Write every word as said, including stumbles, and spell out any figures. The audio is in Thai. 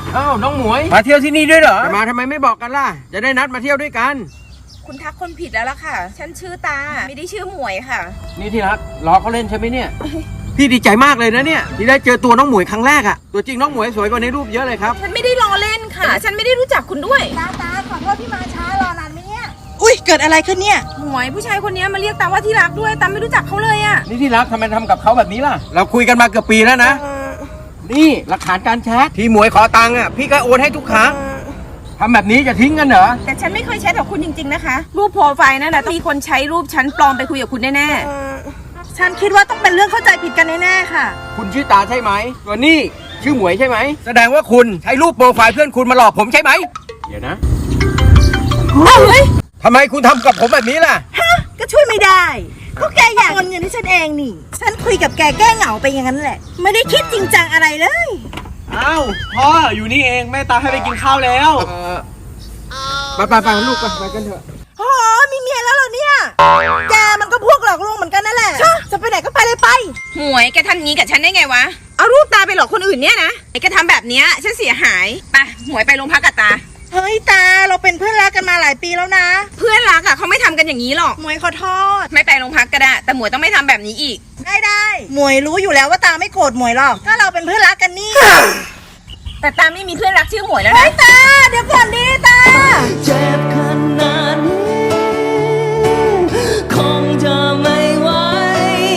อ้าวน้องหมวยมาเที่ยวที่นี่ด้วยเหรอจะมาทำไมไม่บอกกันล่ะจะได้นัดมาเที่ยวด้วยกันคุณทักคนผิดแล้วล่ะค่ะฉันชื่อตาไม่ได้ชื่อหมวยค่ะนี่ที่รักล้อเขาเล่นใช่ไหมเนี่ยพี่ดีใจมากเลยนะเนี่ยที่ได้เจอตัวน้องหมวยครั้งแรกอะตัวจริงน้องหมวยสวยกว่าในรูปเยอะเลยครับฉันไม่ได้ล้อเล่นค่ะฉันไม่ได้รู้จักคุณด้วยตาตาขอโทษที่มาช้ารอนานไหมเนี่ยอุ้ยเกิดอะไรขึ้นเนี่ยหมวยผู้ชายคนนี้มาเรียกตาว่าที่รักด้วยตาไม่รู้จักเขาเลยอะนี่ที่รักทำไมทำกับเขาแบบนี้ล่ะเราคุยกันมาเกือบปีแล้วนะนี่หลักฐานการแชทที่หมวยขอตังค์อะพี่ก็โอนให้ทุกครั้งทำแบบนี้จะทิ้งกันเหรอแต่ฉันไม่เคยแชทกับคุณจริงๆนะคะรูปโปรไฟล์นั่นแหละมีคนใช้รูปฉันปลอมไปคุยกับคุณแน่ฉันคิดว่าต้องเป็นเรื่องเข้าใจผิดกันแน่ๆค่ะคุณชื่อตาใช่ไหมส่วนนี่ชื่อหมวยใช่ไหมแสดงว่าคุณใช้รูปโปรไฟล์เพื่อนคุณมาหลอกผมใช่ไหมเดี๋ยวนะเฮ้ยทำไมคุณทำกับผมแบบนี้ล่ะฮะก็ช่วยไม่ได้ก็แกอยากโอนเงินให้ฉันเองนี่ฉันคุยกับแกแก้เหงาไปอย่างนั้นแหละไม่ได้คิดจริงจังอะไรเลยอ้าวพ่ออยู่นี่เองแม่ตาให้ไปกินข้าวแล้วไปไปไปลูกไปไปกันเถอะโอ้มีเมียแล้วเหรอเนี่ยแกมันก็พวกหลอกลวงเหมือนกันนั่นแหละจะไปไหนก็ไปเลยไปหมวยแกทำงี้กับฉันได้ไงวะเอารูปตาไปหลอกคนอื่นเนี่ยนะไอ้แกทำแบบเนี้ยฉันเสียหายไปหมวยไปโรงพักกับตาเฮ้ยตาเราเป็นเพื่อนรักกันมาหลายปีแล้วนะเพื่อนรักอะเขาไม่ทำกันอย่างนี้หรอกหมวยขอโทษไม่ไปโรงพักก็ได้แต่หมวยต้องไม่ทำแบบนี้อีกได้ได้หมวยรู้อยู่แล้วว่าตาไม่โกรธหมวยหรอกถ้าเราเป็นเพื่อนรักกันนี่แต่ตาไม่มีเพื่อนรักชื่อหมวยแล้วนะเฮ้ยตาเดี๋ยวก่อนดิตาเจ็บ